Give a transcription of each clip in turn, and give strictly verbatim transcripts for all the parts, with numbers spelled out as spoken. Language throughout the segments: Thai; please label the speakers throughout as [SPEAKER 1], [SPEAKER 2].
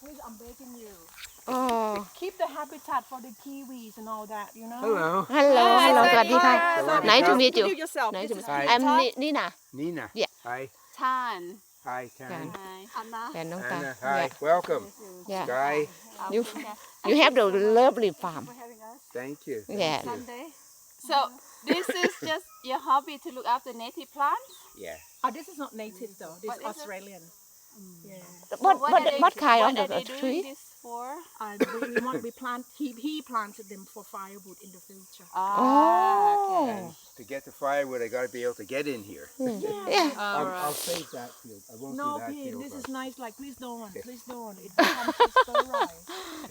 [SPEAKER 1] please, I'm begging you.
[SPEAKER 2] Oh.
[SPEAKER 1] Keep the habitat for the kiwis and all that, you know.
[SPEAKER 3] Hello.
[SPEAKER 2] Hello Hello สวัสดีค่ะ
[SPEAKER 3] Sawadee
[SPEAKER 2] Nice to
[SPEAKER 3] krap.
[SPEAKER 2] meet you
[SPEAKER 1] Introduce yourself.
[SPEAKER 2] Nice to
[SPEAKER 1] This
[SPEAKER 2] meet
[SPEAKER 1] is
[SPEAKER 2] you
[SPEAKER 3] Hi.
[SPEAKER 2] I'm Ni- Nina
[SPEAKER 3] Nina.
[SPEAKER 2] Yeah.
[SPEAKER 3] Hi.
[SPEAKER 4] Tan.
[SPEAKER 3] Hi, Tan.
[SPEAKER 2] Tan.
[SPEAKER 4] Hi.
[SPEAKER 1] Anna.
[SPEAKER 2] แฟนน้องตา
[SPEAKER 3] Anna. Hi.
[SPEAKER 2] Yeah.
[SPEAKER 3] Welcome.
[SPEAKER 2] Yeah.
[SPEAKER 3] Sky.
[SPEAKER 2] You you have the lovely farm
[SPEAKER 3] Thank you. Thank
[SPEAKER 2] Yeah.
[SPEAKER 3] you.
[SPEAKER 1] Sunday.
[SPEAKER 4] So this is just your hobby to look after native plants?
[SPEAKER 3] Yeah.
[SPEAKER 1] Oh, this is not native though. This
[SPEAKER 4] What
[SPEAKER 1] is
[SPEAKER 4] is it?
[SPEAKER 1] Australian. Yeah.
[SPEAKER 2] What
[SPEAKER 4] What
[SPEAKER 2] what
[SPEAKER 4] are they-
[SPEAKER 2] what kind
[SPEAKER 4] what
[SPEAKER 2] of
[SPEAKER 4] are they
[SPEAKER 2] the
[SPEAKER 4] doing
[SPEAKER 2] tree
[SPEAKER 4] this for?
[SPEAKER 1] And we, we want we plant. He he planted them for firewood in the future.
[SPEAKER 4] Ah,
[SPEAKER 2] Oh
[SPEAKER 3] And to get the firewood, I got to be able to get in here.
[SPEAKER 2] Yeah
[SPEAKER 4] All
[SPEAKER 3] I'll,
[SPEAKER 4] right.
[SPEAKER 3] I'll save that field. I won't
[SPEAKER 1] No,
[SPEAKER 3] do that
[SPEAKER 1] Pete,
[SPEAKER 3] field.
[SPEAKER 1] this is
[SPEAKER 3] but-
[SPEAKER 1] nice. Like, please don't, please don't. It becomes a stir rice.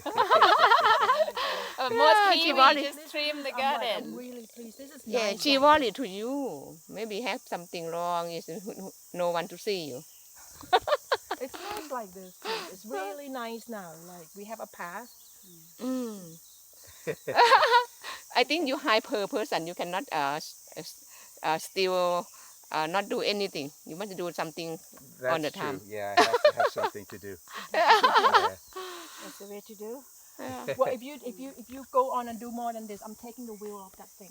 [SPEAKER 4] Uh, most
[SPEAKER 2] Yeah,
[SPEAKER 4] Kiwi
[SPEAKER 2] Chivali.
[SPEAKER 4] just trim the
[SPEAKER 1] I'm like, I'm
[SPEAKER 4] garden.
[SPEAKER 1] really pleased. This is
[SPEAKER 2] Yeah
[SPEAKER 1] nice.
[SPEAKER 2] she
[SPEAKER 1] like
[SPEAKER 2] worried
[SPEAKER 1] this.
[SPEAKER 2] to you maybe have something wrong is no one to see you
[SPEAKER 1] It's nice like this. Pete. It's really nice now. Like we have a path.
[SPEAKER 2] Mm. I think you hyper person you cannot uh, s- s- uh still uh, not do anything you want to do something
[SPEAKER 3] That's
[SPEAKER 2] on the
[SPEAKER 3] true.
[SPEAKER 2] time.
[SPEAKER 3] Yeah, I have to have something to do. Yeah.
[SPEAKER 1] That's the way to do.
[SPEAKER 2] Yeah.
[SPEAKER 1] Well, if you if you if you go on and do more than this, I'm taking the wheel off that thing,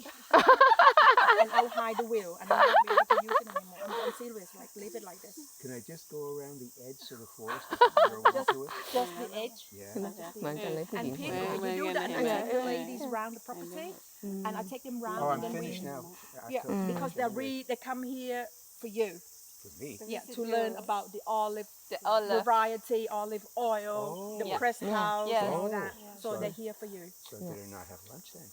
[SPEAKER 1] and I'll hide the wheel, and I won't be able to use it anymore. I'm, I'm serious. Like leave it like this,
[SPEAKER 3] Can I just go around the edge of the forest and grow
[SPEAKER 1] Just-
[SPEAKER 3] into it?
[SPEAKER 1] just the edge.
[SPEAKER 3] Yeah.
[SPEAKER 2] เหมือนกันเลยผู้ห
[SPEAKER 1] And
[SPEAKER 2] ญิง
[SPEAKER 1] people,
[SPEAKER 4] Where-
[SPEAKER 1] if
[SPEAKER 4] where
[SPEAKER 1] you do
[SPEAKER 4] you
[SPEAKER 1] that,
[SPEAKER 4] gonna
[SPEAKER 1] and I
[SPEAKER 4] have
[SPEAKER 1] take
[SPEAKER 4] it?
[SPEAKER 1] ladies around the property, and I take them round,
[SPEAKER 3] Oh,
[SPEAKER 1] and
[SPEAKER 3] I'm
[SPEAKER 1] then
[SPEAKER 3] finished
[SPEAKER 1] we,
[SPEAKER 3] now.
[SPEAKER 1] yeah,
[SPEAKER 2] Mm.
[SPEAKER 1] because they're re they come here for you,
[SPEAKER 3] For me.
[SPEAKER 1] yeah,
[SPEAKER 4] Visit
[SPEAKER 1] to
[SPEAKER 4] you.
[SPEAKER 1] learn about the olive,
[SPEAKER 4] The olive.
[SPEAKER 1] variety, olive oil,
[SPEAKER 3] Oh.
[SPEAKER 1] the
[SPEAKER 4] Yeah.
[SPEAKER 1] pressed
[SPEAKER 2] Yeah.
[SPEAKER 1] house,
[SPEAKER 4] Yeah.
[SPEAKER 1] and all
[SPEAKER 3] Oh.
[SPEAKER 1] that. So
[SPEAKER 3] Sorry.
[SPEAKER 1] they're here for you.
[SPEAKER 3] So I better not have lunch then.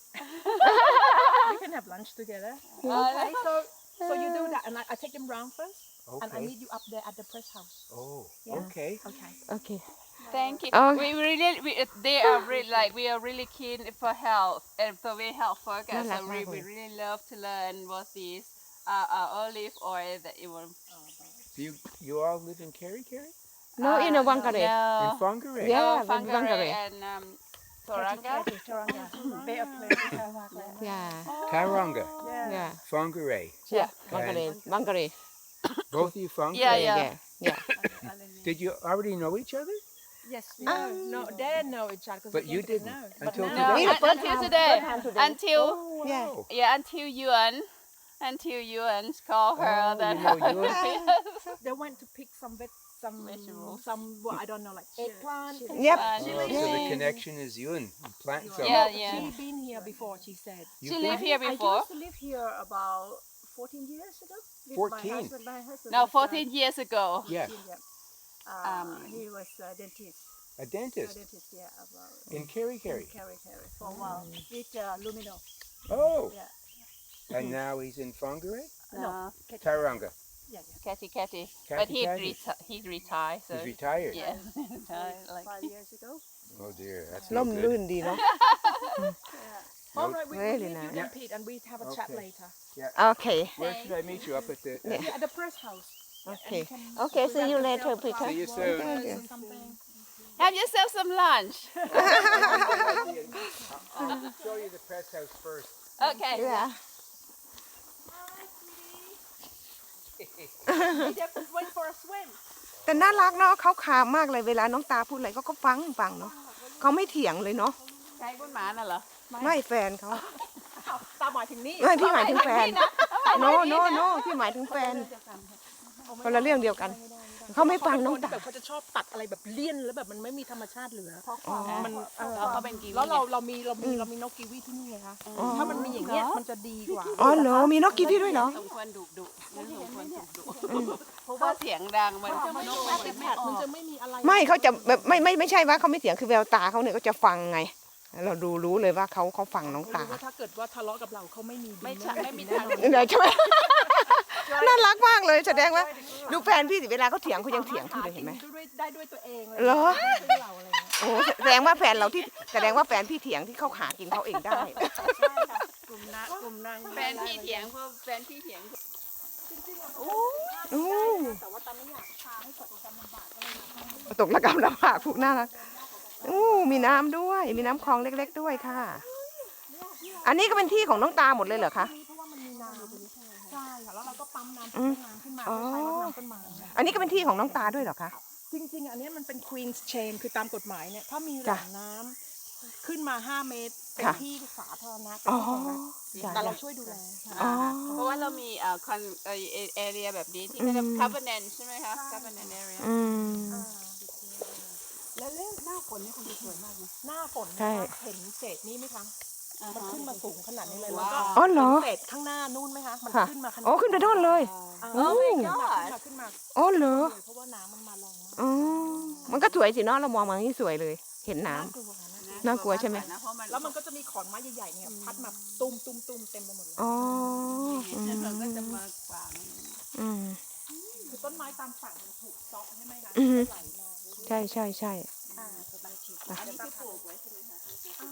[SPEAKER 1] We can have lunch together.
[SPEAKER 4] Oh,
[SPEAKER 1] Okay, so so you do that, and I, I take them round first, and I
[SPEAKER 3] Okay.
[SPEAKER 1] meet you up there at the press house.
[SPEAKER 3] Oh,
[SPEAKER 1] Yeah.
[SPEAKER 3] okay.
[SPEAKER 1] Okay.
[SPEAKER 2] Okay
[SPEAKER 4] Thank you.
[SPEAKER 2] Oh.
[SPEAKER 4] We really, we, uh, they are really like we are really keen for health and for very health focus.
[SPEAKER 2] น่ารัก
[SPEAKER 4] So
[SPEAKER 2] มา
[SPEAKER 4] we,
[SPEAKER 2] กเล
[SPEAKER 4] we
[SPEAKER 2] ย
[SPEAKER 4] really love to learn what these uh, uh, olive oil that you will.
[SPEAKER 3] Do you you all live in Kerry, Kerry?
[SPEAKER 2] No in a
[SPEAKER 4] Uh,
[SPEAKER 2] Wangkare
[SPEAKER 3] In
[SPEAKER 4] No.
[SPEAKER 3] Whangarei?
[SPEAKER 2] Yeah.
[SPEAKER 4] Oh,
[SPEAKER 2] in
[SPEAKER 4] Whangarei
[SPEAKER 2] Whangarei.
[SPEAKER 4] and um, Toranga.
[SPEAKER 1] Toranga. Better place.
[SPEAKER 2] Yeah
[SPEAKER 3] Tauranga,
[SPEAKER 2] Yeah
[SPEAKER 3] Whangarei.
[SPEAKER 4] Yeah.
[SPEAKER 2] Wangkare Wangkare
[SPEAKER 3] Both of you Whangarei?
[SPEAKER 4] Yeah,
[SPEAKER 2] yeah
[SPEAKER 4] yeah.
[SPEAKER 2] yeah
[SPEAKER 3] Did you already know each other?
[SPEAKER 1] Yes, we know. No, they know each other. 'cause
[SPEAKER 3] But
[SPEAKER 1] we
[SPEAKER 3] you
[SPEAKER 1] didn't
[SPEAKER 3] didn't
[SPEAKER 1] know.
[SPEAKER 3] until
[SPEAKER 1] But
[SPEAKER 4] No,
[SPEAKER 1] now-
[SPEAKER 3] today.
[SPEAKER 2] the
[SPEAKER 4] un-
[SPEAKER 2] first
[SPEAKER 4] until
[SPEAKER 2] time-
[SPEAKER 4] today.
[SPEAKER 2] first time today.
[SPEAKER 4] Until
[SPEAKER 3] Oh,
[SPEAKER 2] Yeah.
[SPEAKER 3] wow.
[SPEAKER 4] yeah, until Yuan, until Yuan call her
[SPEAKER 3] Oh,
[SPEAKER 4] that.
[SPEAKER 3] you know Yuan?
[SPEAKER 1] They went to pick some veg, some
[SPEAKER 4] Vegetables.
[SPEAKER 1] some what I don't know, like eggplant.
[SPEAKER 2] Yep.
[SPEAKER 4] Uh,
[SPEAKER 3] Oh, so the
[SPEAKER 4] chilies.
[SPEAKER 3] connection is Yun. You plant some.
[SPEAKER 4] Yeah, yeah.
[SPEAKER 1] She been here before. She said.
[SPEAKER 3] You
[SPEAKER 4] She
[SPEAKER 3] plant-
[SPEAKER 4] lived here
[SPEAKER 5] I
[SPEAKER 4] before.
[SPEAKER 5] used to live here about fourteen years ago. with
[SPEAKER 3] fourteen?
[SPEAKER 5] My husband, my husband
[SPEAKER 4] No,
[SPEAKER 5] was, uh,
[SPEAKER 4] fourteen years ago.
[SPEAKER 3] Yeah,
[SPEAKER 5] yeah. Uh,
[SPEAKER 4] Um,
[SPEAKER 5] he was a dentist.
[SPEAKER 3] a
[SPEAKER 5] A
[SPEAKER 3] dentist
[SPEAKER 5] dentist, yeah, about
[SPEAKER 3] in Kerry,
[SPEAKER 5] in
[SPEAKER 3] Kerry.
[SPEAKER 5] Kerry, Kerry for a while with uh, Lumino.
[SPEAKER 3] Oh,
[SPEAKER 5] Yeah.
[SPEAKER 3] and now he's in Whangarei?
[SPEAKER 4] No,
[SPEAKER 3] Tauranga.
[SPEAKER 5] Yeah, yeah.
[SPEAKER 4] Catty Catty.
[SPEAKER 3] Catty
[SPEAKER 4] But he
[SPEAKER 3] Catty.
[SPEAKER 4] reti- he retired. So
[SPEAKER 3] He's retired.
[SPEAKER 4] yeah, retired, like
[SPEAKER 5] Five years ago.
[SPEAKER 3] Oh dear, that's
[SPEAKER 2] ล่
[SPEAKER 3] no
[SPEAKER 2] ม
[SPEAKER 3] good.
[SPEAKER 2] ลื่นดีเนาะ
[SPEAKER 5] Yeah.
[SPEAKER 1] All right, we will
[SPEAKER 2] Really
[SPEAKER 1] leave you
[SPEAKER 2] nice.
[SPEAKER 1] then,
[SPEAKER 3] Yeah.
[SPEAKER 1] Pete, and we have a chat
[SPEAKER 3] Okay.
[SPEAKER 1] later.
[SPEAKER 2] Okay
[SPEAKER 3] Where should I meet you? Up at the.
[SPEAKER 2] Yeah.
[SPEAKER 1] Yeah, at the press house.
[SPEAKER 2] Okay
[SPEAKER 1] And you can
[SPEAKER 2] Okay see you
[SPEAKER 1] present
[SPEAKER 2] later
[SPEAKER 1] yourself,
[SPEAKER 2] Peter
[SPEAKER 3] See you
[SPEAKER 1] pass
[SPEAKER 3] soon.
[SPEAKER 1] words
[SPEAKER 2] Thank you.
[SPEAKER 1] or something.
[SPEAKER 4] have yourself some lunch.
[SPEAKER 3] I'll show you the press house first.
[SPEAKER 4] Okay.
[SPEAKER 2] Yeah
[SPEAKER 1] They just went for a swim.
[SPEAKER 2] แต่น่ารักเนาะเขาขามากเลยเวลาน้องตาพูดอะไรเขาก็ฟังฟังเนาะเขาไม่เถียงเลยเนาะ
[SPEAKER 4] ใครพูดหมาน่ะเหรอ
[SPEAKER 2] ไม่แฟนเขา
[SPEAKER 1] อ้าวตาหมายถึงนี่
[SPEAKER 2] ไม่พี่หมายถึงแฟนโนโนโนพี่หมายถึงแฟนคนละเรื่องเดียวกันเขาไม่ฟังน้อง
[SPEAKER 1] เขาเป็
[SPEAKER 2] ตา
[SPEAKER 1] แบบเขาจะชอบตัดอะไรแบบเลี่ยนแล้วแบบมันไม่มีธรรมชาติเหลือ
[SPEAKER 2] อ๋อ
[SPEAKER 1] มันเออ
[SPEAKER 4] เขาเขาเป็นกีวี
[SPEAKER 1] แล้วเราเรามีเรามีเรามีนกกีวีที่นี่ไงคะถ้ามันมีอย่างเงี้ยมันจะดีกว่า
[SPEAKER 2] อ๋อเหรอมีนกกีวีด้วยเหรอ
[SPEAKER 4] สมควรดุดุไม่สมควรดุดุเพราะว่าเสียงดังมันจะไม่
[SPEAKER 1] น
[SPEAKER 4] น
[SPEAKER 1] ก
[SPEAKER 4] ก
[SPEAKER 1] แอ
[SPEAKER 4] มัน
[SPEAKER 1] ป
[SPEAKER 4] จะ
[SPEAKER 1] เปิล
[SPEAKER 4] ไม่
[SPEAKER 1] แพด
[SPEAKER 4] ออ
[SPEAKER 1] มัน
[SPEAKER 4] ก
[SPEAKER 1] จะไม่มีอะไร
[SPEAKER 2] ไม่เขาจะแบบไม่ไม่ไม่ใช่ว่าเขาไม่เถียงคือแววตาเขาเนี่ยก็จะฟังไง เราดูรู้เลยว่าเขาเขาฟังน้องตา
[SPEAKER 1] รู้ว่าถ้าเกิดว่าทะเลาะกับเราเขาไม่มีดี
[SPEAKER 4] ไม่ใช่ไม่มี
[SPEAKER 1] แน่
[SPEAKER 4] ทาง
[SPEAKER 1] นอน
[SPEAKER 2] เดี๋ยวใช่ไหม น่ารักมากเลยแสดงว่าดูแฟนพี่สิเวลาเขาเถียงเขายังเถียงพี่เลยเห็นไหม
[SPEAKER 1] ด้วยได้ด้วยตัวเองเลย
[SPEAKER 2] เหรอ
[SPEAKER 1] ไม่ใช่เราอะไรเงี้ย
[SPEAKER 2] โอ้แสดงว่าแฟนเราที่แสดงว่าแฟนพี่เถียงที่เขาหากินเขาเองได้
[SPEAKER 5] ใช่ค่ะกลุ่มนักกลุ่มนาง
[SPEAKER 4] แฟนพี่เถียงเพราะแฟนพี่เถียง
[SPEAKER 2] โอ้
[SPEAKER 1] แต่ว่าตาไม่อยากพาให้ตกกำลำบากก็เลยมา
[SPEAKER 2] ตกระกำลำบากผูกน่ารักอู้มีน้ำด้วย มีน้ำคลองเล็กๆด้วยค่ะ อันนี้ก็เป็นที่ของน้องตาหมดเลยเหรอคะ
[SPEAKER 1] เพราะว่ามันมีน้ำใช่ค่ะแล้วเราก็ปั๊มน้ำ
[SPEAKER 2] อืม
[SPEAKER 1] น้ำขึ้นมา
[SPEAKER 2] อ๋อ
[SPEAKER 1] เพื่อใช้รดน้ำต้นไม้
[SPEAKER 2] อันนี้ก็เป็นที่ของน้องตาด้วยเหรอคะ
[SPEAKER 1] ใจริงๆอันเนี้ยมันเป็น Queen's Chain คือตามกฎหมายเนี่ยถ้ามีแหล่งน้ำขึ้นมาห้าเมตรเป็น
[SPEAKER 2] ค่ะ
[SPEAKER 1] ที่สาธารณะเป็น
[SPEAKER 2] อ๋อ
[SPEAKER 1] ที่ของรัฐ
[SPEAKER 2] จ้ะ
[SPEAKER 1] แต่เราช่วยดูแล
[SPEAKER 2] อ๋อ
[SPEAKER 4] เพราะว่าเรามีเอ่อคอนเอ่อเอเรียแบบนี้ที่เขาเรียก covenant ใช่ไหมคะ covenant area
[SPEAKER 2] อืม
[SPEAKER 5] แล้วหน้าฝนนี่คงจะสวยมากนะ
[SPEAKER 1] หน้าฝน
[SPEAKER 2] ใช่
[SPEAKER 1] นะคะเห็นเศษนี้ไหมคะ มันขึ้นมาสูงขนาดนี้เลยแล้ว
[SPEAKER 4] ว้า
[SPEAKER 1] ก็
[SPEAKER 4] ว
[SPEAKER 2] อ๋อเหรอ
[SPEAKER 1] เศษข้างหน้านู่นไหมคะมัน
[SPEAKER 2] ค่ะ
[SPEAKER 1] ขึ้นมาขนาด
[SPEAKER 2] โอ้ขึ้นไปโน่นเลย
[SPEAKER 1] อ่า
[SPEAKER 2] โอ้
[SPEAKER 1] ขึ้นมาขึ้นมา
[SPEAKER 2] อ๋อเหรอ
[SPEAKER 1] เพราะว่าน้ำมันมาแรงมาก
[SPEAKER 2] อ๋อมันก็สวยสิเนาะเรามองมาอย่างนี้สวยเลย เห็นน้ำ
[SPEAKER 1] น่ากลัวค่ะน่ากลัว
[SPEAKER 2] น่ากลัวใช่ไหม
[SPEAKER 4] นะเพราะมัน
[SPEAKER 1] แล้วมันก็จะมีขอนไม้ใหญ่ๆเนี่ยพัดมาตุ้มตุ้มตุ้มเต็มไปหมดเลย
[SPEAKER 2] อ๋ออื
[SPEAKER 4] แล้วเราก็จะ
[SPEAKER 2] ม
[SPEAKER 4] มากว่ามัน
[SPEAKER 2] อืม
[SPEAKER 1] คือต้นไม้ตามฝั่งมันถูกเซาะใช่ไหมคะ
[SPEAKER 2] อือฮึ
[SPEAKER 1] ไหลมาเรื่อยๆ
[SPEAKER 2] ใช่ใช่ใช่
[SPEAKER 1] อ่า
[SPEAKER 4] อันนี้คือปลูกไว้ใช่ไหมคะ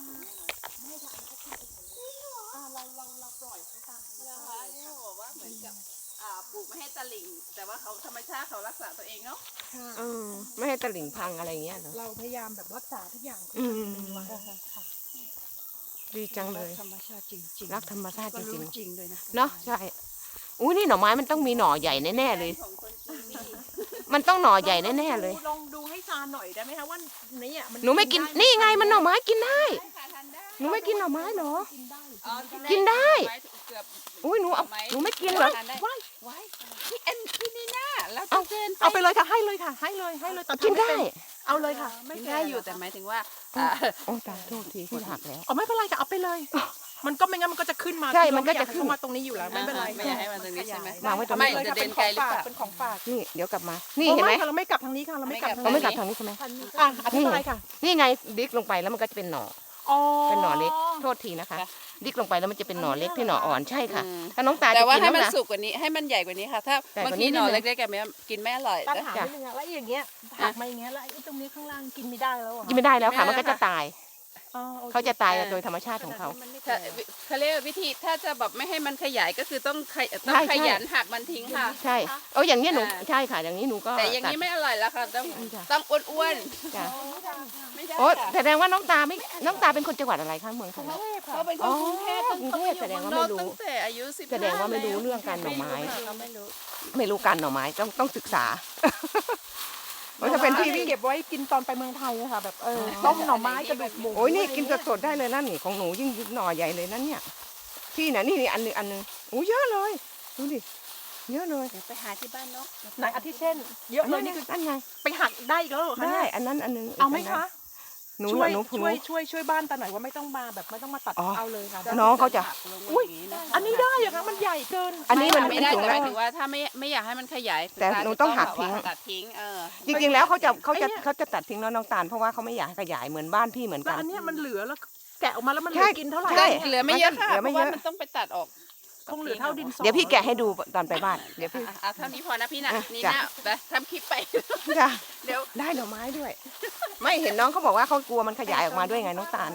[SPEAKER 1] อ่าเราเราเราปล่อยเขาตามธรรม
[SPEAKER 4] นะ
[SPEAKER 1] ชา
[SPEAKER 4] คะ
[SPEAKER 1] ติ
[SPEAKER 4] นี่เขาบอกว่าเหมือนกับอ่าปลูกไม่ให้ตะลิ่ง แต่ว่าเขาธรรมชาติเขารักษาตัวเองเนาะ
[SPEAKER 1] ค่ะ
[SPEAKER 2] เออไม่ให้ตะหลิ่งพังอะไรอย่างเงี้ยเหรอ
[SPEAKER 1] เราพยายามแบบรักษาทุกอย่าง
[SPEAKER 2] อืม
[SPEAKER 1] ไว้ค่ะ
[SPEAKER 2] ดีจังเลย
[SPEAKER 5] ธรรมชาติจริงๆ
[SPEAKER 2] รักธรรมชาติ
[SPEAKER 5] ก็
[SPEAKER 2] จริ
[SPEAKER 5] รู้
[SPEAKER 2] ง
[SPEAKER 5] จริงด้วยนะ
[SPEAKER 2] ๆเนาะใช่อุ้ยนี่หน่อไม้มันต้องมีหน่อใหญ่แน่ๆเลย
[SPEAKER 4] ของคนจีนนี่
[SPEAKER 2] มันต้องหน่อใหญ่แน่ๆเลย
[SPEAKER 1] ลองดูให้ซาหน่อยได้ไหมคะว่าเนี่ยมัน
[SPEAKER 2] หนูไม่กินนี่ไงมันหน่อไม้กินได้
[SPEAKER 4] ได้ค่ะทานได้
[SPEAKER 2] หนูไม่กินหน่อไม้เหรอ
[SPEAKER 1] กินได้
[SPEAKER 4] อ๋อ
[SPEAKER 2] กินได้
[SPEAKER 4] ไม้เกือบ
[SPEAKER 2] อุ้ยหนูเอาหนูไม่กินเหรอ
[SPEAKER 4] ทานได้ไว้ไว้พี่เอ็นพี่นีน่าแล้ว
[SPEAKER 2] เอา
[SPEAKER 4] จะเดิน
[SPEAKER 1] เอาไปเลยค่ะให้เลยค่ะ ให้เลยให้เลยแต่
[SPEAKER 2] กินได้
[SPEAKER 1] เอาเลยค่ะ
[SPEAKER 4] กินได้อยู่แต่หมายถึงว่าอ่า
[SPEAKER 2] โอ้ตายโทษทีที่หักแล้ว
[SPEAKER 1] เอาไม่เป็นไรค่ะเอาไปเลย มันก็ไม่งั้นมันก็จะขึ้นมา
[SPEAKER 2] ใช่
[SPEAKER 1] ที่
[SPEAKER 2] มันก็จะ
[SPEAKER 1] เราไอยา
[SPEAKER 2] ขึ้น
[SPEAKER 1] เข้ามาตรงนี้อยู่แล้วไม่เป็นไร
[SPEAKER 4] ไม่อยากให้มันตรงนี้ใช่ไหม
[SPEAKER 2] วางไว้ตรง
[SPEAKER 4] ไม่
[SPEAKER 2] นี้
[SPEAKER 4] จะเดินไกลหรือเปล่า
[SPEAKER 1] เป็นของฝาก
[SPEAKER 2] นี่เดี๋ยวกลับมา นี่เห็นไหม
[SPEAKER 1] โอ้ค่ะเราไม่กลับทางนี้ค่ะเราไม่กลับทาง
[SPEAKER 2] เราไม่
[SPEAKER 1] นี้
[SPEAKER 2] กลับทางนี้ใช่ไหม
[SPEAKER 1] อ่ะอธิบายค่ะ
[SPEAKER 2] นี่ไงดิกลงไปแล้วมันก็จะเป็นหน่อ
[SPEAKER 1] อ๋อ
[SPEAKER 2] เป็นหน่อเล็ก โทษทีนะคะ ดิกลงไปแล้วมันจะเป็นหน่อเล็กที่หน่ออ่อนใช่ค่ะ
[SPEAKER 4] อืม
[SPEAKER 2] ถ้าน้องตา
[SPEAKER 4] แต่
[SPEAKER 2] จะ
[SPEAKER 4] ว่า
[SPEAKER 2] กิน
[SPEAKER 4] ให้
[SPEAKER 2] แล้ว
[SPEAKER 4] มัน
[SPEAKER 2] นะ
[SPEAKER 4] สุกกว่านี้ให้มันใหญ่กว่านี้ค่ะ ถ้า
[SPEAKER 2] ใหญ่กว่า
[SPEAKER 4] บาง
[SPEAKER 2] นี้
[SPEAKER 4] ทีหน่อ
[SPEAKER 2] นิดนึง
[SPEAKER 4] เล็กๆกันไม่กินไม่อร่อย
[SPEAKER 1] ปัญ
[SPEAKER 4] นะ
[SPEAKER 1] หา
[SPEAKER 2] จ้ะ
[SPEAKER 1] ไม่นึงอะแล้วอย่างเงี้ยหักมาอย่างเงี้ยแล้วไอ้ตรงนี้ข้างล่างกินไม่ได้แล้วอะ
[SPEAKER 2] กินไม่ได้แล้วค่ะ มันก็จะตาย
[SPEAKER 1] อ๋อโอค
[SPEAKER 2] เขาจะตายโดยธรรมชาติของเขา
[SPEAKER 4] ถ้าเขาเรียกว่าวิธีถ้าจะแบบไม่ให้มันขยายก็คือต้องขยต้อง
[SPEAKER 2] ใช่
[SPEAKER 4] ข
[SPEAKER 2] ใช่
[SPEAKER 4] ยันหักมันทิ้งค่ะ
[SPEAKER 2] ใช่เอออย่างนี้ยหนู
[SPEAKER 4] อ่า
[SPEAKER 2] ใช่ค่ะ อย่างนี้หนูก็
[SPEAKER 4] แต่อย่างนี้
[SPEAKER 2] ตัด
[SPEAKER 4] ไม่อร่อยแล้วค่ะต้อง
[SPEAKER 2] จ้ะ
[SPEAKER 4] ต้องอ้วน
[SPEAKER 2] จ้ะ
[SPEAKER 4] ๆไม่ได้
[SPEAKER 2] โอ้
[SPEAKER 4] ค่ะ
[SPEAKER 2] แสดงว่าน้องตาไม่น้องตาเป็นคนจังหวัดอะไรคะเมืองทอง
[SPEAKER 4] เขาเป็นคนกรุงเทพ
[SPEAKER 2] อ๋อกรุงเทพแสดงว่าไม่รู้
[SPEAKER 4] ตั้งแต่อายุสิบ
[SPEAKER 2] แสดงว่าไม่รู้เรื่องการหน่อไม้
[SPEAKER 4] เราไม่รู้
[SPEAKER 2] ไม่รู้กันหน่อไม้ต้องต้องศึกษา มันจะเป็นที่ที่
[SPEAKER 1] เก็บไว้กินตอนไปเมืองไทยอะค่ะแบบเออต้มหน่อไม้กระดูกหมู
[SPEAKER 2] โอ้ยนี่กินสดๆได้เลยนั่นนี่ของหนูยิ่งหน่อใหญ่เลยนั่นเนี่ยพี่น่ะนี่นี่อันหนึงอันหนึงโอ้เยอะเลยดูดิเยอะเลย
[SPEAKER 4] เดี๋ยวไปหาที่บ้านเนาะ
[SPEAKER 1] ไหนอาทิเช่น เยอะเลย
[SPEAKER 2] น
[SPEAKER 1] นี่
[SPEAKER 2] นี้
[SPEAKER 1] คือ
[SPEAKER 2] นั่นไง
[SPEAKER 1] ไปหักได้อีกแล้วเหรอคะ
[SPEAKER 2] ได้
[SPEAKER 1] เนี่ย
[SPEAKER 2] อันนั้นอันหนึง
[SPEAKER 1] เอาไหมคะ
[SPEAKER 2] หนู
[SPEAKER 1] ช่วย
[SPEAKER 2] หนูหนู
[SPEAKER 1] ช่วยช่วยช่วยบ้านตาหน่อยว่าไม่ต้องมาแบบไม่ต้องมาตัด
[SPEAKER 2] อ๋อ
[SPEAKER 1] เอาเลยค่ะ
[SPEAKER 2] น้องเขาจะ
[SPEAKER 1] อุ้ยอันนี้ได้เหรอคะมันใหญ่เกิน
[SPEAKER 2] อันนี้มัน
[SPEAKER 4] ไม่ได้
[SPEAKER 2] สูง
[SPEAKER 4] แต่ห
[SPEAKER 2] แล้
[SPEAKER 4] มายว ถึงว่าถ้าไม่ไม่อยากให้มันขยาย
[SPEAKER 2] แต่หนูต้องหักทิ้ง
[SPEAKER 4] ตัดทิ้งเออ
[SPEAKER 2] จริงๆแล้วเขาจะเขาจะเขาจะตัดทิ้งแล้วน้องตาลเพราะว่าเขาไม่อยากให้ขยายเหมือนบ้านพี่เหมือน
[SPEAKER 1] แล้
[SPEAKER 2] กั
[SPEAKER 1] วน อันเนี้ยมันเหลือแล้วแกะออกมาแล้วมันเห
[SPEAKER 2] ใช่
[SPEAKER 1] ลือกินเท่าไหร่
[SPEAKER 2] ใช่
[SPEAKER 4] เหลือไม่เยอะค่ะ
[SPEAKER 2] เหลือ
[SPEAKER 4] เพ
[SPEAKER 2] ไม่
[SPEAKER 4] ราะ
[SPEAKER 2] เย
[SPEAKER 4] ว่า
[SPEAKER 2] อะ
[SPEAKER 4] มันต้องไปตัดออก
[SPEAKER 1] คงเหลือเท่าดินสอ
[SPEAKER 2] เดี๋ยวพี่แกะให้ดูตอนไปบ้านเดี๋ยวพี่
[SPEAKER 4] อ่ะอ่ะเท่านี้พอนะพี่นะ
[SPEAKER 2] อ่ะ
[SPEAKER 4] นี่
[SPEAKER 2] จ้ะ
[SPEAKER 4] นะไปทำคลิปไป
[SPEAKER 2] จ้ะ
[SPEAKER 4] เดี๋ยว
[SPEAKER 2] ได้หน่อไม้ด้วย ไม่เห็นน้องเขาบอกว่าเขากลัวมันขยายออกมาด้วยไงน้องตาล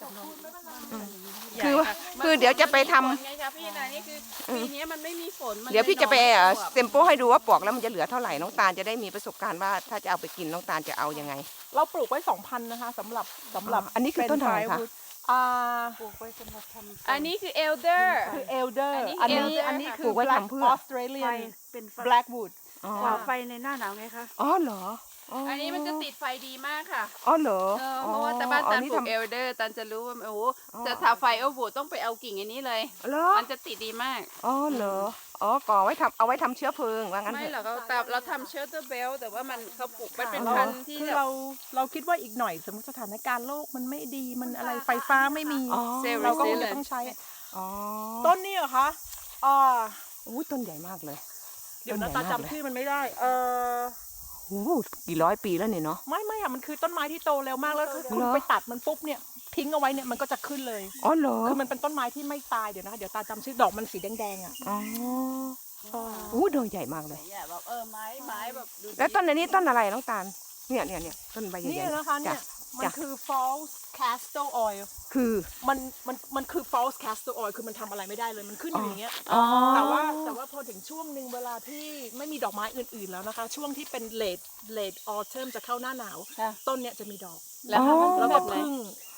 [SPEAKER 2] คือว่าคือเดี๋ยวจะไปทำ
[SPEAKER 4] ไงคะพี่นะนี่คือปีนี้มันไม่มีฝนมัน
[SPEAKER 2] เดี๋ยวพี่จะไป
[SPEAKER 4] ลยหน่อม่
[SPEAKER 2] เซมโปให้ดูว่าปอกแล้วมันจะเหลือเท่าไหร่น้องตาลจะได้มีประสบการณ์ว่าถ้าจะเอาไปกินน้องตาลจะเอายังไง
[SPEAKER 1] เราปลูกไว้สองพันนะคะสำหรับสำหรับ
[SPEAKER 2] อันนี้คือต้นอะไรคะ
[SPEAKER 1] อ่า
[SPEAKER 5] ปลูกไว้สำหรับทำ
[SPEAKER 4] อันนี้คือเอลเดอร์
[SPEAKER 1] คือเอลเดอร์
[SPEAKER 4] อั
[SPEAKER 1] อั
[SPEAKER 4] น
[SPEAKER 1] น
[SPEAKER 4] นี้
[SPEAKER 1] นี้
[SPEAKER 4] elder
[SPEAKER 1] อันนี้
[SPEAKER 4] ค่ะ
[SPEAKER 1] คื
[SPEAKER 2] ปลู
[SPEAKER 1] อก
[SPEAKER 2] ไว้
[SPEAKER 1] black
[SPEAKER 2] ทำเพื่อ
[SPEAKER 1] Australian
[SPEAKER 5] เป็นไฟ
[SPEAKER 1] blackwood
[SPEAKER 2] อ๋อ
[SPEAKER 5] ก่อไฟในหน้าหนาวไงคะ
[SPEAKER 2] อ๋อเหรออ๋อ
[SPEAKER 4] อันนี้มันจะติดไฟดีมากค่ะ
[SPEAKER 2] อ๋อเหรอ
[SPEAKER 4] เออเพราะว่าแต่บ้าน
[SPEAKER 2] อ๋อ
[SPEAKER 4] ตัน
[SPEAKER 2] นี่
[SPEAKER 4] ปลูก
[SPEAKER 2] ทำ
[SPEAKER 4] เอลเดอร์ตันจะรู้ว่าโอ้โห
[SPEAKER 2] อ๋อ
[SPEAKER 4] จะทาไฟโอ้โหต้องไปเอากิ่งอันนี้เลย
[SPEAKER 2] เหรอ
[SPEAKER 4] มันจะติดดีมาก
[SPEAKER 2] อ๋อเหรออ๋อก่อไว้ทำเอาไว้ทำเชื้อเพลิงว่างั้น
[SPEAKER 4] ไม่
[SPEAKER 2] เถ
[SPEAKER 4] หรอ
[SPEAKER 2] อะ
[SPEAKER 4] กเราแต่เราทำเชลเตอร์เบลแต่ว่ามันเขาปลูกมันเป็น
[SPEAKER 1] เรา
[SPEAKER 4] พันธุ์ที่
[SPEAKER 1] คือ
[SPEAKER 4] แบบ
[SPEAKER 1] เราเราคิดว่าอีกหน่อยสมมติสถานการณ์โลกมันไม่ดีมันอะไรไฟฟ้าไม่มี
[SPEAKER 2] อ๋อ
[SPEAKER 1] เราก็คง
[SPEAKER 4] เล
[SPEAKER 1] จะ
[SPEAKER 4] ย
[SPEAKER 1] ต้องใช้
[SPEAKER 2] อ๋อ
[SPEAKER 1] ต้นนี้เหรอคะอ่า
[SPEAKER 2] อู้ต้นใหญ่มากเลย
[SPEAKER 1] เดี๋ยวนะ
[SPEAKER 2] ต้
[SPEAKER 1] ตาน
[SPEAKER 2] ใหญ่มากเลย
[SPEAKER 1] จำชื่อมันไม่ได้ เออ
[SPEAKER 2] โอ้โหกี่ร้อยปีแล้วเนี่ยเนาะ
[SPEAKER 1] ไม่ไม่อะมันคือต้นไม้ที่โตเร็วมากแล้วคือคุณ
[SPEAKER 2] เหรอ
[SPEAKER 1] ไปตัดมันปุ๊บเนี่ยทิ้งเอาไว้เนี่ยมันก็จะขึ้นเลย
[SPEAKER 2] อ๋อเหรอ
[SPEAKER 1] คือมันเป็นต้นไม้ที่ไม่ตายเดี๋ยวนะคะเดี๋ยวตาจำชื่อดอกมันสีแดงๆอ่ะ
[SPEAKER 2] อ๋อ
[SPEAKER 1] อ๋อ
[SPEAKER 2] อู้ดอกใหญ่มากเลย
[SPEAKER 4] เนี่ยแบบเออไม้ไม้แบบดูดี
[SPEAKER 2] แล้วต้นอันนี้ต้นอะไรน้องตาลเนี่ยเนี่ยเนี่ยต้นใบใหญ่
[SPEAKER 1] นี่
[SPEAKER 2] ๆ
[SPEAKER 1] นะคะเนี่ย
[SPEAKER 2] จ้ะ
[SPEAKER 1] มัน
[SPEAKER 2] จ้ะ
[SPEAKER 1] คือ false castor oil
[SPEAKER 2] คือ
[SPEAKER 1] มันมันมันคือ false castor oil คือมันทำอะไรไม่ได้เลยมันขึ้นอยู่อย่างเงี้ย
[SPEAKER 2] อ๋อ
[SPEAKER 1] แต่ว่าแต่ว่าพอถึงช่วงหนึ่งเวลาที่ไม่มีดอกไม้อื่นๆแล้วนะคะ ช่วงที่เป็น late late autumn จะเข้าหน้าหนาว
[SPEAKER 4] ค่ะ
[SPEAKER 1] ต้นเนี้ยจะมีดอก
[SPEAKER 4] แล้วทำมัน
[SPEAKER 1] แล้ว
[SPEAKER 4] แบ
[SPEAKER 1] ก็
[SPEAKER 4] บไหน
[SPEAKER 1] พึ่ง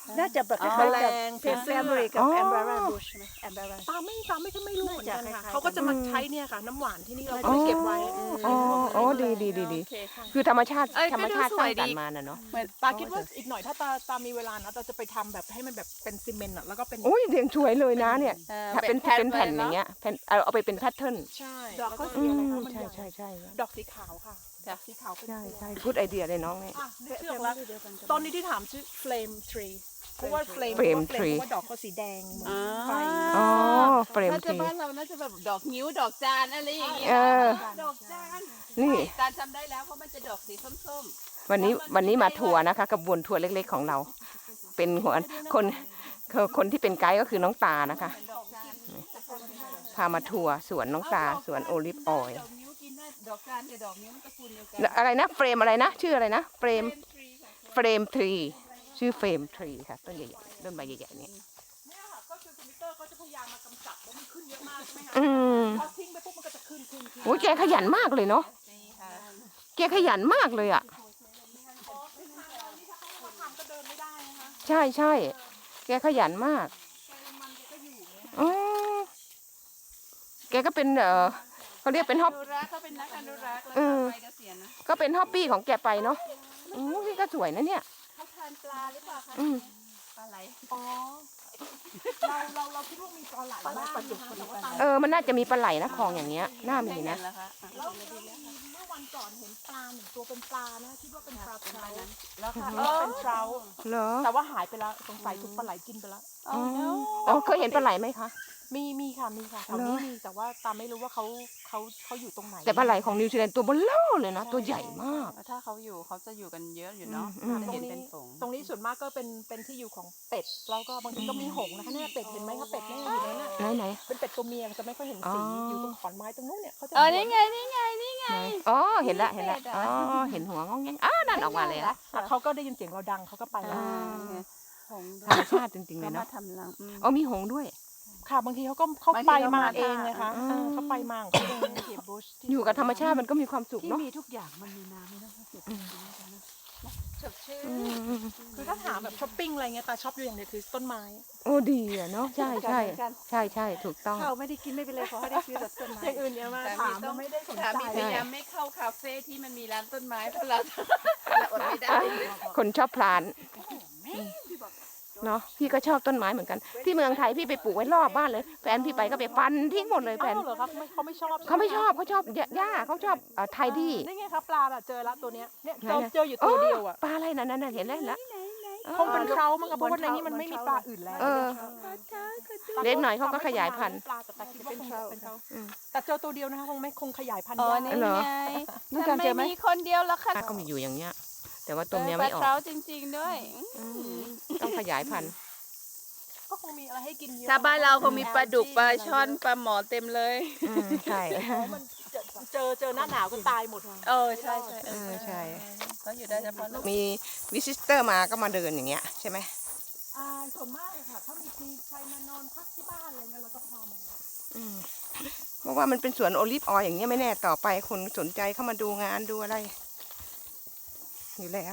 [SPEAKER 5] น่าจะแบบค
[SPEAKER 4] อ๋อ
[SPEAKER 5] ล้ายๆกับ
[SPEAKER 1] แมลง
[SPEAKER 5] เพนแฟมิลี่กับ
[SPEAKER 2] อ๋อ
[SPEAKER 5] แอมบาราบุชใช่ไหมแอมบารา
[SPEAKER 1] ตาไม่ตาไม่ไม่รู้เหมือนกัน
[SPEAKER 5] น่าจะ
[SPEAKER 1] ค่ะ
[SPEAKER 5] คล้ายๆ
[SPEAKER 1] เขาก็จะมา
[SPEAKER 2] อืม
[SPEAKER 1] ใช้เนี่ยค่ะ น้ำหวานที่นี่เรา
[SPEAKER 2] อ๋
[SPEAKER 1] ก็
[SPEAKER 2] อ
[SPEAKER 1] เก็บไว้
[SPEAKER 2] อ๋ออ๋อดีดีดีดี
[SPEAKER 4] โอเคค่ะ
[SPEAKER 2] คือธรรมชาติ
[SPEAKER 4] เอ้ย
[SPEAKER 2] ธรรมชาติ
[SPEAKER 4] ก็ดู
[SPEAKER 2] ส
[SPEAKER 4] ส
[SPEAKER 2] ร้า
[SPEAKER 4] วย
[SPEAKER 2] งสรร
[SPEAKER 4] ดี
[SPEAKER 2] ค์มาน่ะเนาะ
[SPEAKER 4] เหมือน
[SPEAKER 1] ตาคิดว่าอีกหน่อยถ้าตาตามีเวลานะตาจะไปทำแบบให้มันแบบเป็นซีเมนต์อะแล้วก็เป็น
[SPEAKER 2] อุ้ยเรียงช่วยเลยนะเนี่ย
[SPEAKER 4] เอ่อ
[SPEAKER 2] ถ้าเป็น
[SPEAKER 4] แผ่น
[SPEAKER 2] เป็นแผ่น
[SPEAKER 4] เลย
[SPEAKER 2] อ
[SPEAKER 4] เนอะ
[SPEAKER 2] ย่างเงี้ยแผ่นเอาเอาไปเป็นแพทเทิร์น
[SPEAKER 1] ใช่
[SPEAKER 5] ดอกเขา
[SPEAKER 1] แล้ว
[SPEAKER 5] สีอะไร
[SPEAKER 2] อื
[SPEAKER 5] คะ
[SPEAKER 2] ม
[SPEAKER 1] มัน
[SPEAKER 2] ใช่
[SPEAKER 1] ญ่
[SPEAKER 2] ใช่ใช่
[SPEAKER 1] ดอกสีขาวค่ะดอกสีขาวเป็น
[SPEAKER 2] ใช่
[SPEAKER 1] พวง
[SPEAKER 2] ใช่กูดไอเดียเลยน้องเนี่ย
[SPEAKER 1] อ่ะนึก
[SPEAKER 5] เชื่
[SPEAKER 1] ชื่อ
[SPEAKER 5] อ
[SPEAKER 1] ออก
[SPEAKER 5] ว่า
[SPEAKER 1] แล้ว
[SPEAKER 5] เดียวกันกับ
[SPEAKER 1] ตอนนี้ที่ถามชื่อ flame tree เพราะว่า flame
[SPEAKER 2] Flame
[SPEAKER 1] เพราะว่า
[SPEAKER 2] tree
[SPEAKER 1] เพราะว่าดอกเขาสีแดงเหมือน
[SPEAKER 4] อ่า
[SPEAKER 1] ไฟ
[SPEAKER 2] อ๋อเฟรม
[SPEAKER 4] น่า
[SPEAKER 2] ท
[SPEAKER 4] จะ
[SPEAKER 2] รี
[SPEAKER 4] บ้านเราน่าจะแบบดอกนิ้วดอกจานอะไรอย่างเงี้ย
[SPEAKER 2] เออ
[SPEAKER 4] ดอกจาน
[SPEAKER 2] นี่
[SPEAKER 4] ใช่จานจำได้แล้วเพราะมันจะดอกสีส้ม
[SPEAKER 2] วันนี้วันนี้มาทัวร์นะคะกระบวนทัวร์เล็กๆของเรา เป็นหัวคนคนคนที่เป็นไกด์ก็คือน้องตานะคะ
[SPEAKER 4] ๆดอกจาน
[SPEAKER 2] พามาทัวร์สวนน้องตาสวนโอลิฟออยล์
[SPEAKER 4] ดอกนิ้วกินได้ดอกจานกับดอกนิ้วมันตระกูลเดียวกัน
[SPEAKER 2] อะไรนะเฟรมอะไรนะ ชื่ออะไรนะเฟรม
[SPEAKER 4] เป็นทรีค่ะ
[SPEAKER 2] เฟรมทรีชื่อเฟรมทรีค่ะต้นใหญ่ๆต้นใบใหญ่ๆนี่
[SPEAKER 1] เนี่ยค่ะก็คือคอมพิวเตอร์ก็จะพยายามมากำจัดแล้วมันขึ้นเยอะมากใช่ไหมคะ
[SPEAKER 2] อืม
[SPEAKER 1] พอทิ้งไปปุ๊บมันก็จะขึ้นขึ้นขึ้น
[SPEAKER 2] โอ้ยแกขยันมากเลยเนาะ
[SPEAKER 4] นี่ค่ะ
[SPEAKER 2] แกขยันมากเลยอ่ะ
[SPEAKER 1] อ๋อคือทางเรานี่ถ้าเขาไม่มาทำก็เดินไม่ได้นะคะ
[SPEAKER 2] ใช่ใช่แกขยันมาก
[SPEAKER 1] แกมันแกก็อยู่อย่างเงี้ย
[SPEAKER 2] อ๋อแกก็เป็นเออเขาเรียกเป็นฮอบ
[SPEAKER 4] อนุรักษ์เขาเป็นนักอนุรักษ์แล้ว
[SPEAKER 2] เอ
[SPEAKER 4] ก็
[SPEAKER 2] อ
[SPEAKER 4] ไปเกษียณนะ
[SPEAKER 2] ก็เป็นฮอบบี้ของแกไปเนาะอือนี่ก็สวยนะเนี่ย
[SPEAKER 4] เขาทานปลาหรือเปล่าคะ
[SPEAKER 2] อืม
[SPEAKER 4] ปลาไหล
[SPEAKER 1] อ๋อเราเราเราคิดว่ามีปลาไหลบ้างนะคะแต่ว่าตาม
[SPEAKER 2] เออมันน่าจะมีปลาไหลนะคลองอย่างเงี้ยน่ามีนะ
[SPEAKER 4] แล้วคะอ่ะ
[SPEAKER 1] แล้วแล้วมีเมื่อวันก่อนเห็นปลาหนึ่งตัวเป็นปลานะคิดว่าเป็นปลาเทรา
[SPEAKER 4] แล้วค่ะ
[SPEAKER 1] เออเป็นเทรา
[SPEAKER 2] เหรอ
[SPEAKER 1] แต่ว่าหายไปแล้วสงสัยถูกปลาไหลกินไปแล้ว
[SPEAKER 2] อ๋ออ๋อเคยเห็นปลาไหลไหมคะ
[SPEAKER 1] มีมีค่ะมีค่ะแถวนี้มีแต่ว่าตามไม่รู้ว่าเขาเขาเขาอยู่ตรงไหน
[SPEAKER 2] แต่ปลาไหลของนิวซีแลนด์ตัวเบลอเลยนะ ตัวใหญ่มาก
[SPEAKER 4] ถ้าเขาอยู่เขาจะอยู่กันเยอะอยู่เนาะ
[SPEAKER 2] อืม
[SPEAKER 4] จะเห็นเป็นฝูง
[SPEAKER 1] ตรงนี้ส่วนมากก็เป็นเป็นที่อยู่ของเป็ดแล้วก็บางทีก็มีหงส์นะคะเนี่ยเป็ดเห็นไหมคะเป็ดเนี่ยอยู่นั่นน่ะ
[SPEAKER 2] ไหนไหน
[SPEAKER 1] เป็นเป็ดตัวเมียจะไม่ค่อยเห็นสี
[SPEAKER 2] อ๋อ
[SPEAKER 1] อ
[SPEAKER 2] อ
[SPEAKER 1] ยู่ตรงขอนไม้ตรงนู้นเนี่ยเขาจะ
[SPEAKER 4] เออนี่ไงนี่ไงนี่ไง
[SPEAKER 2] ไหนอ๋อเห็นละเห็นละ
[SPEAKER 4] เป็ดอะ
[SPEAKER 2] อ๋อเห็นหัวงองแงงอ้านั่นออกมาเลยละ
[SPEAKER 1] อ่ะเขาก็ได้ยินเสียงเราดังเขาก็ไปแล้ว
[SPEAKER 2] อ่า
[SPEAKER 4] หงส์
[SPEAKER 2] ธรรมชาติจริงๆเล
[SPEAKER 4] เขา
[SPEAKER 2] ย
[SPEAKER 4] มา
[SPEAKER 2] เนาะ
[SPEAKER 4] ทำรังอืม
[SPEAKER 2] อ๋อมีหงส์ด้วย
[SPEAKER 1] ค่ะบางทีเขาก็เขา
[SPEAKER 4] บางที
[SPEAKER 1] ไป
[SPEAKER 4] เขา
[SPEAKER 1] มา
[SPEAKER 4] มา
[SPEAKER 1] เองไงคะ
[SPEAKER 2] อืม
[SPEAKER 1] เออเขาไปมาของเขาเองเก็บบุช
[SPEAKER 2] อยู่กับธรรมชาติมันก็มีความสุข
[SPEAKER 5] ที่
[SPEAKER 2] เนาะ
[SPEAKER 5] มีทุกอย่างมันมีน้ำไม่ต้องเสียใจนะ
[SPEAKER 4] สดชื่น
[SPEAKER 2] อืม
[SPEAKER 1] คือถ้าถามแบบช้อปปิ้งอะไรเงี้ยตาช็อปอยู่อย่างเดียวคือต้นไม้
[SPEAKER 2] โอ้ดีอะเนาะใช่ใช่ใช่ใช่ถูกต้อง
[SPEAKER 5] ข้าวไม่ได้กินไม่เป็นไรขอให้ได้ซื้อแต่ต้นไม้
[SPEAKER 1] อย่างอื่นเนี่ยมา
[SPEAKER 4] แต่
[SPEAKER 1] ถาม
[SPEAKER 4] ต้
[SPEAKER 1] เรา
[SPEAKER 4] อง
[SPEAKER 1] ไม่ได้สน
[SPEAKER 4] สา
[SPEAKER 1] ใจ
[SPEAKER 4] มีพยายามไม่เข้าคาเฟ่ที่มันมีร้านต้นไม้เพราะเราเราอดไม่ได้
[SPEAKER 2] คนชอบพลานเนาะพี่ก็ชอบต้นไม้เหมือนกัน ที่เมืองไทยพี่ไปปลูกไว้รอบบ้านเลยแฟนพี่ไปก็ไปฟันทิ้งหมดเลยแฟ
[SPEAKER 1] อ้าน วเหรอครับไม่เขาไม่ชอบ
[SPEAKER 2] เขาไม่ชอบเขาชอบหญ้าเขาชอบไทยดี้
[SPEAKER 1] นี่ไงครับปลาแบบเจอแล้วตัวเนี้ยเนี่ย
[SPEAKER 2] ไหน
[SPEAKER 1] เรา
[SPEAKER 2] นะ
[SPEAKER 1] เจออยู่ตัวเดียวอ่ะ
[SPEAKER 2] ปลาอะไรนั่นนั่นเห็นแล้วเห็นแล้ว
[SPEAKER 1] คงเป็นเทรามั้งครับเพราะว่าในนี้มันไม่มีปลาอื่นแล้ว
[SPEAKER 2] เออ เล็กหน่อยเขาก็ขยายพันธุ์
[SPEAKER 1] ปลาแต่แต่คิดว่าคงจะเป็นเทรา
[SPEAKER 2] อืม
[SPEAKER 1] แต่เจอตัวเดียวนะคะคงไม่คงขยายพันธุ์
[SPEAKER 4] อ๋อย
[SPEAKER 1] าก
[SPEAKER 4] นี่
[SPEAKER 2] เหรอ
[SPEAKER 4] ไง
[SPEAKER 5] น้องการเจอไหม
[SPEAKER 4] มีคนเดียวแล้วค่ะ
[SPEAKER 2] ก็มีอยู่อย่างเงี้ย แต่ว่าตัว
[SPEAKER 4] เอ
[SPEAKER 2] เมี
[SPEAKER 4] อย ป
[SPEAKER 2] ไม่
[SPEAKER 4] ลา
[SPEAKER 2] ออก
[SPEAKER 4] เท้าจริง ๆ ด้วย
[SPEAKER 2] อืมต้องขยายพันธุ์
[SPEAKER 1] ก็คงมีอะไรให้กินเยอะ
[SPEAKER 4] ถ้าบ้านเราคงมีปลาดุกปลาช่อนปลาหมอเต็มเลย
[SPEAKER 2] อืมใช่
[SPEAKER 1] เพราะมันเจอเจอเจอหน้าหนาวก็ตายหมดค่ะ
[SPEAKER 4] เออใช่ใช่
[SPEAKER 2] เออใช่
[SPEAKER 4] เขาอยู่ได้เฉพาะลูก
[SPEAKER 2] มีวิสิเตอร์มาก็มาเดินอย่างเงี้ยใช่ไหม
[SPEAKER 1] อ่าส่วนมากเลยค่ะถ้ามีมีใครมานอนพักที่บ้านอะไรเงี้ยเราก็พามา
[SPEAKER 2] อืมเพราะว่ามันเป็นสวนโอลิฟออยล์อย่างเงี้ยไม่แน่ต่อไปคนสนใจเข้ามาดูงานดูอะไร อยู่แล้ว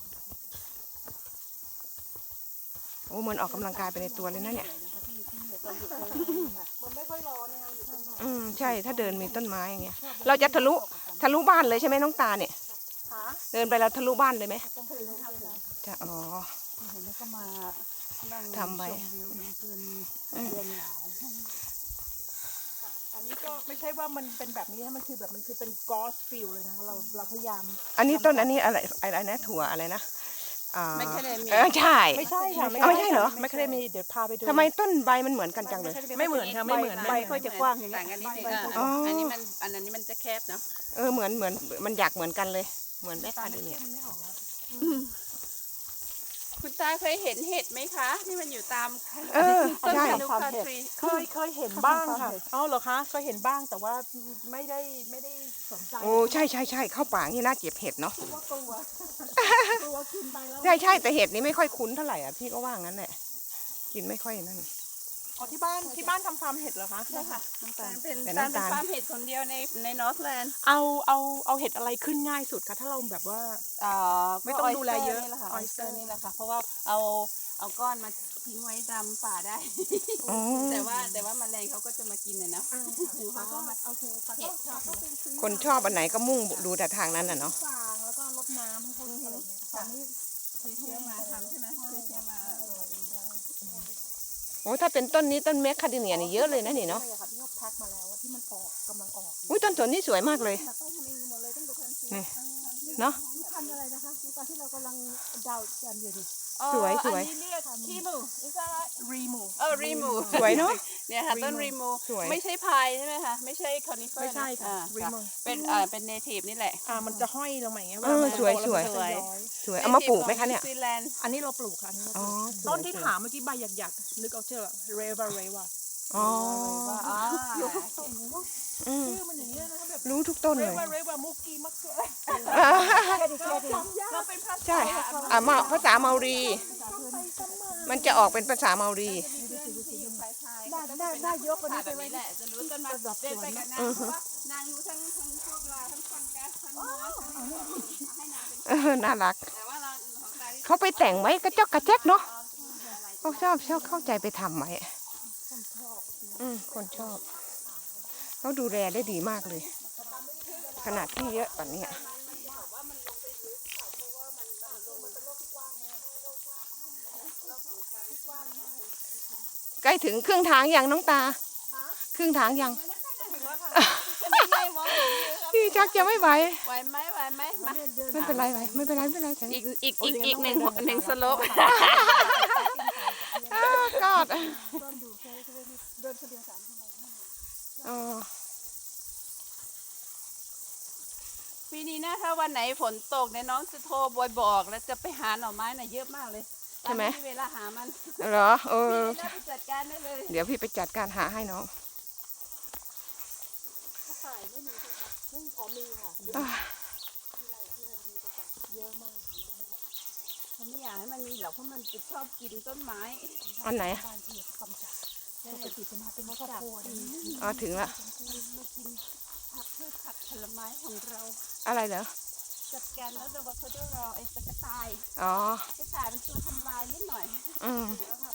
[SPEAKER 2] โอ้เหมือนออกกำลังกายไปในตัวเลยนะเนี่ย
[SPEAKER 1] มันไม่ค่อยร้อนนะคะอยู่ข้าง
[SPEAKER 2] อืมใช่ถ้าเดินมีต้นไม้อย่างเงี้ย เราจะทะลุทะลุบ้านเลยใช่ไหมน้องตาเนี่ย
[SPEAKER 1] ขา
[SPEAKER 2] เดินไปแล้วทะลุบ้านเลยไหมจะอ๋อ
[SPEAKER 5] เห็นแล้วก็มานั่ง
[SPEAKER 2] ทำไว้
[SPEAKER 5] ชมวิวเพลิน
[SPEAKER 2] อืม
[SPEAKER 5] เย็นหนาว
[SPEAKER 1] อันนี้ก็ไม่ใช่ว่ามันเป็นแบบนี้นะมันคือแบบมันคือเป็นกอสฟิลเลยนะเราเราพยายาม
[SPEAKER 2] อันนี้ต้นอันนี้อะไรอะไรนะถั่วอะไรนะอ่า
[SPEAKER 4] ไม่ใช่เลยมี
[SPEAKER 2] เออใช่
[SPEAKER 1] ไม่ใช่ค่ะ
[SPEAKER 2] เอาไม่ใช่เหรอ
[SPEAKER 1] ไม่เคยมีเดี๋ยวพาไปดู
[SPEAKER 2] ทำไมต้นใบมันเหมือนกันจังเลย
[SPEAKER 1] ไม่เหมือนค่ะไม่เหมือน
[SPEAKER 5] ใบค่อยจะกว้างอย่างเงี้
[SPEAKER 4] ต่าย งกันนิดนึง
[SPEAKER 5] ใบ
[SPEAKER 4] อ่ะ
[SPEAKER 2] อ๋ออั
[SPEAKER 4] อันนี้มันอันนี้มันจะแคบเนาะ
[SPEAKER 2] เออเหมือนเหมือนมันอยากเหมือนกันเลย เหมือนแม่คาเดเนีย
[SPEAKER 1] มันไม่ออกแล้ว
[SPEAKER 4] คุณตาเคยเห็นเห็ดไหมคะที่มันอยู่ตาม
[SPEAKER 2] เออ
[SPEAKER 4] ต้น
[SPEAKER 2] ใช่
[SPEAKER 4] คานูคาทรี
[SPEAKER 1] เคยเคยเห็นบ้างค่ะอ๋อเหรอคะเคยเห็นบ้างแต่ว่าไม่ได้ไม่ได้สนใจ
[SPEAKER 2] โอ้ใช่ใช่ใช่เข้าป่านี่น่าเก็บเห็ดเนาะ
[SPEAKER 1] เพราะว่ากลัวกลัวกินไปแล้ว
[SPEAKER 2] ใช่ใช่แต่เห็ดนี้ไม่ค่อยคุ้นเท่าไหร่อ่ะพี่ก็ว่างั้นแหละกินไม่ค่อยนั่น
[SPEAKER 1] อ๋อที่บ้านที่บ้านทำฟาร์มเห็ดเหรอคะ
[SPEAKER 4] ใช่ค่ะน้ำตาลเป็น
[SPEAKER 2] แต่
[SPEAKER 4] ตาล
[SPEAKER 2] น้ำ
[SPEAKER 4] เป็น
[SPEAKER 2] ตาล
[SPEAKER 4] ฟาร์มเห็ดคนเดียวในในนอร์ทแลนด์
[SPEAKER 1] เอาเอาเอาเห็ดอะไรขึ้นง่ายสุดคะถ้าเราแบบว่า
[SPEAKER 4] อ่า
[SPEAKER 1] ไม่ต้องดูแลเยอะ
[SPEAKER 4] นี่แหละค่ะออสเตอ
[SPEAKER 1] oyster
[SPEAKER 4] ร์นี่แหละค่ะเพราะว่าเอาเอาก้อนมาทิ้งไว้ตามป่าได้
[SPEAKER 2] อ๋อ
[SPEAKER 4] แต่ว่าแต่ว่าแมลงเขาก็จะมากินนะเนาะ
[SPEAKER 1] อ่า
[SPEAKER 4] คือ
[SPEAKER 1] ค่ะ
[SPEAKER 4] เขาก็มา
[SPEAKER 1] โอเคปาก็ปาก็ไปซื้อ
[SPEAKER 2] คนชอบอันไหนก็มุ่งดูแต่ทางนั้นน่ะเนาะ
[SPEAKER 1] ฟางแล้วก็รดน้ำให้เขาอะไรเงี้ยตอนนี้
[SPEAKER 4] ซื้อเชื้อมาทำใช่ไหมซื้อเชื้อมา
[SPEAKER 2] โอ้ถ้าเป็นต้นนี้ต้นแมคคาเดเนียนี่เยอะเลยนะนี่เนาะ
[SPEAKER 1] ใช่ค่ะที่เขาแพ็คมาแล้วอะที่มันออกกำลังออก
[SPEAKER 2] อุ้ยต้นสนนี่สวยมากเลย
[SPEAKER 5] แต่ต้องทำเองหมดเลยตั้งแต่ทันที
[SPEAKER 2] นี่เนาะ
[SPEAKER 5] พันธุ์อะไรนะคะตอนที่เรากำลังเดากันอยู่นี่
[SPEAKER 2] สวยสวย
[SPEAKER 4] อันนี้เรียกคีมูอิสระ
[SPEAKER 1] รีมู
[SPEAKER 4] เออรีมู
[SPEAKER 2] สวยเนาะ
[SPEAKER 4] เนี่ยค่ะต้นรีมู
[SPEAKER 2] สวย
[SPEAKER 4] ไม่ใช่พายใช่ไหมคะไม่ใช่คอนิเฟอร์
[SPEAKER 1] ไม่ใช่ค่ะ
[SPEAKER 4] รี
[SPEAKER 1] Remo
[SPEAKER 4] เป็นอ่าเป็นเนทีฟนี่แหละ
[SPEAKER 1] อ่ามันจะห้อยลงมาอย่างเงี้ย
[SPEAKER 2] เออ
[SPEAKER 1] วลามัน
[SPEAKER 2] สวย
[SPEAKER 1] โตแล้
[SPEAKER 2] สวย
[SPEAKER 1] มันจะย้อย
[SPEAKER 2] สวยเอามาปลูกไหมคะเนี่ย
[SPEAKER 4] นิวซีแลนด์
[SPEAKER 1] อันนี้เราปลูกค่ะอันนี้เราป
[SPEAKER 2] อ๋อ
[SPEAKER 1] ลูก
[SPEAKER 2] สวย
[SPEAKER 1] ต้นที่
[SPEAKER 2] สวย
[SPEAKER 1] ถามเมื่อกี้ใบหยักๆนึกเอาเชื่อเรวาเรวา
[SPEAKER 2] อ๋อ
[SPEAKER 4] อ่า
[SPEAKER 2] อืม
[SPEAKER 1] ชื่อมันอย่างเงี้ยนะคะแบบ
[SPEAKER 2] รู้ทุกต้น
[SPEAKER 1] เร
[SPEAKER 2] เลยว
[SPEAKER 1] าเรวามุกกี้มักเกลือ
[SPEAKER 4] เราเป็นภาษา
[SPEAKER 2] ใช่อ่ะมาภาษาเมารี มันจะออกเป็นภาษาเมารี
[SPEAKER 4] ที่อยู่ภายภาย
[SPEAKER 5] ได้ได้ได้ยกกว่านี้
[SPEAKER 4] แบ
[SPEAKER 5] ไป
[SPEAKER 4] บ
[SPEAKER 5] ไว้
[SPEAKER 4] นี้แหละจะรู้ต้นไม้เดินไปกับนางเพราะว่านางรู้ทั้งทั้งพวกเราทั้งฟังกัสทั้งมอสทั้งให้นางเป็น
[SPEAKER 2] เออน่ารัก
[SPEAKER 4] แต่ว่าเราของตาที่
[SPEAKER 2] เขาไปแต่งไว้กระจอกกระแจกเนาะเขาชอบชอบเข้าใจไปทำไว้อืมคนชอบเขาดูแลได้ดีมากเลย ขนาดที่เยอะกว่านี้ใกล้ถึงครึ่งทางยังน้องตา ครึ่งทางยัง พี่ชักจะไม่ไหว
[SPEAKER 4] ไหวไหมไหวไหมมา
[SPEAKER 2] ไม่เป็นไรไหวไม่เป็นไรไม่เป็นไร
[SPEAKER 4] อีกอีกอีกอีกหนึ่งหนึ่งสโลป
[SPEAKER 2] อ้าวกอด
[SPEAKER 5] เดินอยู่เคยเคยเดินคนเดียวสามชั่วโมง
[SPEAKER 2] อ๋อ
[SPEAKER 4] ปีนี้นะถ้าวันไหนฝนตกเนี่ยน้องจะโทรบอยบอกแล้วจะไปหาหน่อไม้น่ะเยอะมากเลย
[SPEAKER 2] ใช่ไหม
[SPEAKER 4] ที่เวลาหามัน
[SPEAKER 2] เหรอเออ
[SPEAKER 4] พี่น่าไปจัดการได้เลย
[SPEAKER 2] เดี๋ยวพี่ไปจัดการหาให้น้อง
[SPEAKER 5] ฝ่ายไม่มีใช่ไหมซึ่งอ๋อมีค่ะ
[SPEAKER 2] อ่า
[SPEAKER 4] เขาไม่อยากให้มันมีหรอกเพราะมันจะชอบกินต้นไม้
[SPEAKER 2] อันไหน
[SPEAKER 1] บ้านที่เขากำจัดปกติจะมาเป็นครอบครัวนะ
[SPEAKER 2] อ๋อถึงละ
[SPEAKER 4] มากินผักพืชผักผลไม้ของเรา
[SPEAKER 2] อะไรเหรอ
[SPEAKER 4] จัดการแล้วเดี๋ยวเขาจะรอไอ้ตะกระต่าย
[SPEAKER 2] อ๋อก
[SPEAKER 4] ระต่ายเป็นตัวทำลายนิดหน่อย
[SPEAKER 2] อืม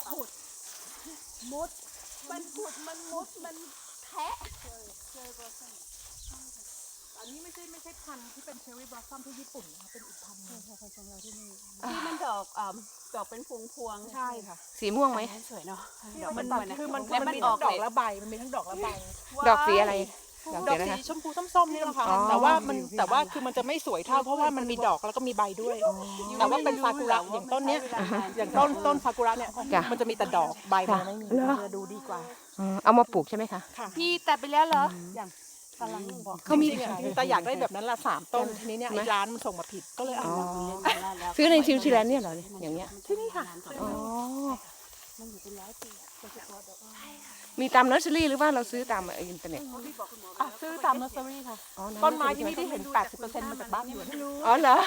[SPEAKER 4] มุดมันขุดมันมุดมันแทะ
[SPEAKER 1] อันนี้ไม่ใช่ไม่ใช่พันธุ์ที่เป็นเชอร์รี่บล็อสซัมที่ญี่ปุ่นนะคะเป็นอีกพันธุ์หนึง
[SPEAKER 4] ที่มันดอกอ่าดอกเป็นพวงพวงๆ
[SPEAKER 1] ใช่ค่ะ
[SPEAKER 2] สีม่วงไหม
[SPEAKER 4] สวยเนาะดอก
[SPEAKER 1] มั
[SPEAKER 4] มัน น
[SPEAKER 1] มั
[SPEAKER 4] สวยนะ
[SPEAKER 1] คือมัน
[SPEAKER 4] แล้ว
[SPEAKER 1] มัน
[SPEAKER 4] มัน
[SPEAKER 1] มี
[SPEAKER 4] อ
[SPEAKER 1] ทั้
[SPEAKER 4] อก
[SPEAKER 1] งดอก
[SPEAKER 4] เลย
[SPEAKER 1] ละใบมันมีทั้งดอกละใบ
[SPEAKER 2] ดอกสีอะไรดอก
[SPEAKER 1] ด
[SPEAKER 2] สี
[SPEAKER 1] อก
[SPEAKER 2] อะไร
[SPEAKER 1] สี
[SPEAKER 2] คะ
[SPEAKER 1] ชมพูส้มๆนี่แหละค่ะ
[SPEAKER 2] อ๋อ
[SPEAKER 1] แต่ว่ามันแต่ว่าคือมันจะไม่สวยเท่าเพราะว่ามันมีดอกแล้วก็มีใบด้วย แต่ว่าเป็นซากุระอย่างต้นเนี้ยอย่างต้นต้นซากุระเนี่ย
[SPEAKER 2] จ้ะ
[SPEAKER 1] มันจะมีแต่ดอกใบมันไม่มี
[SPEAKER 2] เหรอ
[SPEAKER 1] มันจะดูดีกว่า
[SPEAKER 2] อืมเอามาปลูกใช่ไหมคะ
[SPEAKER 1] ค่ะ
[SPEAKER 4] พี่ตัดไปแล้วเหรอ
[SPEAKER 1] กำลังบอก
[SPEAKER 2] เขามี
[SPEAKER 1] จริงๆอะแต่อยากได้แบบนั้นละสามต้นทีนี้เนี่ยไอ้ร้านมันส่งมาผิดก็เลยเอา
[SPEAKER 2] อ๋อ
[SPEAKER 1] มา
[SPEAKER 2] ซื้อในนิวซีแลนด์เนี่ยเหรอเนี่ยอย่างเงี้ย
[SPEAKER 1] ที่นี่ค่ะ
[SPEAKER 2] อ๋อมีตามเนอร์เซอรี่หรือว่าเราซื้อตามอินเทอร์เน็ต
[SPEAKER 1] อ่ะซื้อตามเนอร์เซอรี่ค่ะ
[SPEAKER 2] อ๋อ
[SPEAKER 1] ต้นไม้ที่นี่ที่เห็น แปดสิบเปอร์เซ็นต์ มาจากบ้านหยวน
[SPEAKER 2] อ๋อเหรอ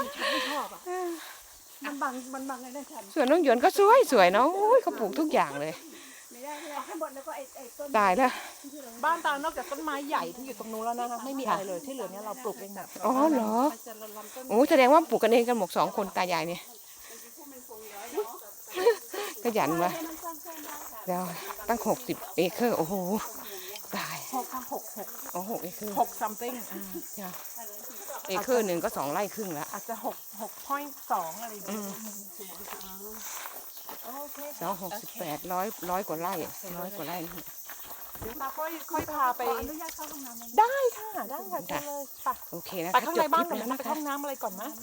[SPEAKER 5] มันบังมันบังไอ้นั่นฉัน
[SPEAKER 2] ส่วนน้องหยวนก็สวยสวยเนาะโอ้ยเขาปลูกทุกอย่างเลย
[SPEAKER 5] ไม่ได้ไม่ได้ให้หมดแล้วก็ไอ้ไอ้ต้น
[SPEAKER 2] ตายแล้ว
[SPEAKER 1] บ้านตานอกจากต้นไม้ใหญ่ที่อยู่ตรงนู้นแล้วนะคะไม่มีอะไรเลยที่เหลือเนี่ยเราปลูกเองหมด
[SPEAKER 2] อ๋อเหรอโอ้แสดงว่าปลูกกันเองกันหมดสองคนตายายเนี่ยขยันวะเดี๋ยวตั้งหกสิบเอเคอร์โอ้โหตาย
[SPEAKER 1] หกหกหก
[SPEAKER 2] อ๋อหกเอเคอร์
[SPEAKER 1] หก something
[SPEAKER 2] จ้ะเอเคอร์หนึ่งก็สองไร่ครึ่งละ
[SPEAKER 1] อาจจะหกหก point สองอะไรอย่างเงี้ยโอเค
[SPEAKER 2] สองหกสิบแปดร้อยร้อยกว่าไร่ร้อยกว่าไร่นี่
[SPEAKER 1] เดี๋ยวตาค่อยค่อยพาไป
[SPEAKER 5] อนุญาตเข้าห้องน้ำ
[SPEAKER 1] ได้ค่ะได้ค่ะเชิญเลยไป
[SPEAKER 2] โอเคนะ
[SPEAKER 1] ไป
[SPEAKER 2] คะ
[SPEAKER 1] ข้าง
[SPEAKER 2] จ
[SPEAKER 1] ใน
[SPEAKER 2] บค
[SPEAKER 1] บ้า
[SPEAKER 2] ลิ
[SPEAKER 1] น
[SPEAKER 2] ป
[SPEAKER 1] ก่อน
[SPEAKER 2] แล้ว
[SPEAKER 1] นะ
[SPEAKER 2] นะ
[SPEAKER 1] ไป
[SPEAKER 2] คะ
[SPEAKER 1] ห้องน้ำอะไรก่อนนะ